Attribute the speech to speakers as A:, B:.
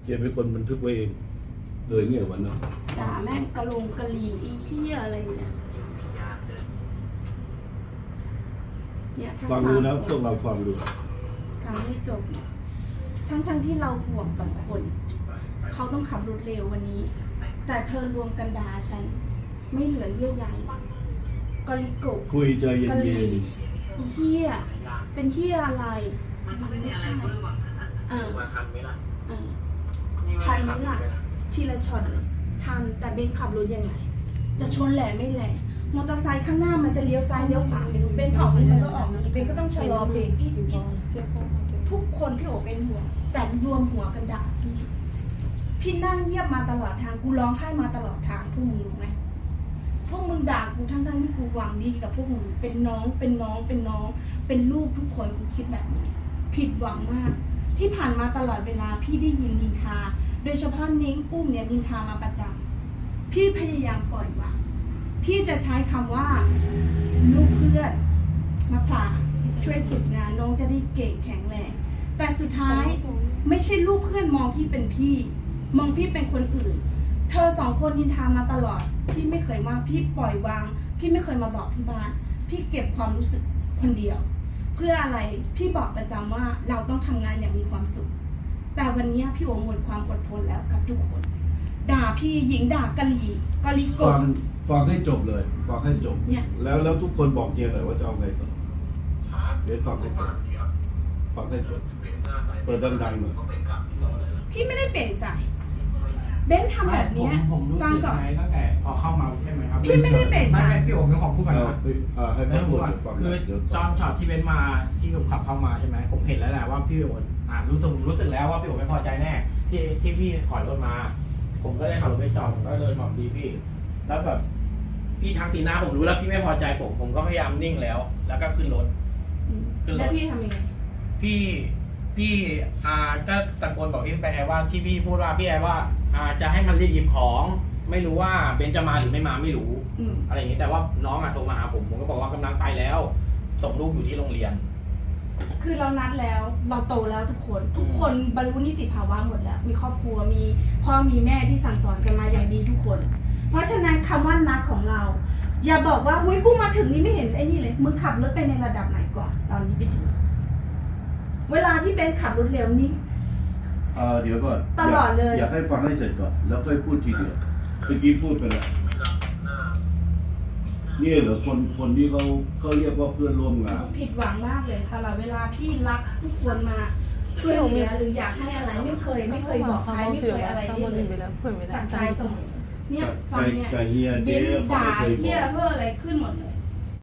A: เจเป็นคนบันทึกไว้เองเลยเงี้ยวันนั้น
B: ด่าแม่งกะลงกะหรี่อีเหี้ยอะไรเนี่ยทั้ง
A: ฟัง
B: สา
A: ดู
B: ม
A: นะ
B: ค
A: พวกเราฟังดู
B: ฟังให้จบ ทั้งที่เราห่วง2 คน เขาต้องขับรถเร็ววันนี้ แต่เธอรวมกันด่าฉัน ไม่เหลือเยื่อใยกอลิโกะ
A: คุยใจเย็
B: กะหรี่
A: น
B: อีเหี้ยเป็นเหี้ยอะไรมันไม่ใช่ทันไหมล่ะทีละช็อตเลยทันแต่เบนขับรถยังไงจะชนแหล่ไม่แหล่มอเตอร์ไซค์ข้างหน้ามันจะเลี้ยวซ้ายเลี้ยวขวาไม่รู้เบนออกนี่มันก็ออกนี่เบนก็ต้องชะลอเบรกอีกทุกคนพี่โอเป็นห่วงแต่รวมหัวกันด่าพี่นั่งเยียบมาตลอดทางกูร้องไห้มาตลอดทางพวกมึงรู้ไหมพวกมึงด่ากูทั้งที่กูหวังดีกับพวกมึงเป็นน้องเป็นลูกทุกคนกูคิดแบบนี้ผิดหวังมากที่ผ่านมาตลอดเวลาพี่ได้ยินนินทาโดยเฉพาะนิ้งอุ้มเนี่ยนินทามาประจำพี่พยายามปล่อยวางพี่จะใช้คำว่าลูกเพื่อนมาฝากช่วยฝึกงานน้องจะได้เก่งแข็งแรงแต่สุดท้ายไม่ใช่ลูกเพื่อนมองพี่เป็นพี่มองพี่เป็นคนอื่นเธอ2 คนนินทามาตลอดพี่ไม่เคยว่าพี่ปล่อยวางพี่ไม่เคยมาบอกที่บ้านพี่เก็บความรู้สึกคนเดียวเพื่ออะไรพี่บอกประจำว่าเราต้องทำงานอย่างมีความสุขแต่วันนี้พี่โอหมดความอดทนแล้วกับทุกคนด่าพี่หญิงด่ากะลี
A: ๆ
B: โก
A: ฟังให้จบเลยฟังให้จบ
B: เนี่ย
A: แล้วทุกคนบอกเจหน่อยว่าจะเอาไงต่อเดี๋ยวฟังให้จบฟังให้จบเปิดดังๆหน่อย
B: พี่ไม่ได้เปลี่ยนสายเบนทำแบบเนี้ย
C: ผมรู้
B: ฟัง
C: สึก
B: ก่อน
C: ไงตั้งแต่พอเข้ามาใช่ไหมครับ
B: พี่ไม่ได้เบรก
C: ไม่
B: สาย
C: ไม่พี่โอ๋ไม่ขอพูดก่อนนะ
A: ให้
C: แล้ว
A: พู
C: พู
A: ด
C: ดก่อน
A: ฟัง
C: คือ
A: เดี๋ยว
C: ตอนช็อตที่เบนมาที่ผมขับเข้ามาใช่ไหมผมเห็นแล้วแหละว่าพี่โอ๋รู้สึกแล้วว่าพี่โอ๋ไม่พอใจแน่ที่พี่ถอยรถมา ผมก็เลยขับรถไปจอดผมก็เดินบอกดีพี่ แล้วแบบพี่ทักสีหน้าผมรู้แล้วพี่ไม่พอใจผมก็พยายามนิ่งแล้ว แล้วก็ขึ้นรถ
B: แล้วพี่ทำยังไง
C: พี่ก็ตะโกนบอกพี่ไปว่าที่พี่พูดว่าพี่ว่าจะให้มันรีบหยิบของ ไม่รู้ว่าเบนจะมาหรือไม่มาไม่รู้ อะไรอย่างนี้แต่ว่าน้องโทรมาหาผมก็บอกว่ากำลังไปแล้ว ส่งลูกอยู่ที่โรงเรียน
B: คือเรานัดแล้วเราโตแล้วทุกคนบรรลุนิติภาวะหมดแล้วมีครอบครัวมีพ่อมีแม่ที่สั่งสอนกันมาอย่างดีทุกคน เพราะฉะนั้นคำว่านัดของเรา อย่าบอกว่าหุ้ยกูมาถึงนี่ไม่เห็นไอ้นี่เลยมึงขับรถไปในระดับไหนก่อนตอนนี้ไปถึงเวลาที่เบนขับรถเร็วนี่
A: เดี๋ยวก่อน
B: ตลอดเลย
A: อยากให้ฟังให้เสร็จก่อนแล้วค่อยพูดทีเดียวเมื่อกี้พูดไปแล้วนี่เหรอคนที่เขาเรียกว่าเพื่อนร่วมงาน
B: ผิดหวังมากเลยตลอดเวลาพี่รักทุกคนมาช่วยเหลือหรืออยากให้อะไรไม่เคยบอกใครไม่เคยอะไรเลยจากใจเสมอเนี่ยฟังเนี่ย
A: ใจเฮีย
B: เบ
A: เจ๊
B: นด่า
A: ไม่ค
B: เฮีย
A: บอก
B: เพื่ออะไรขึ้นหมดเลย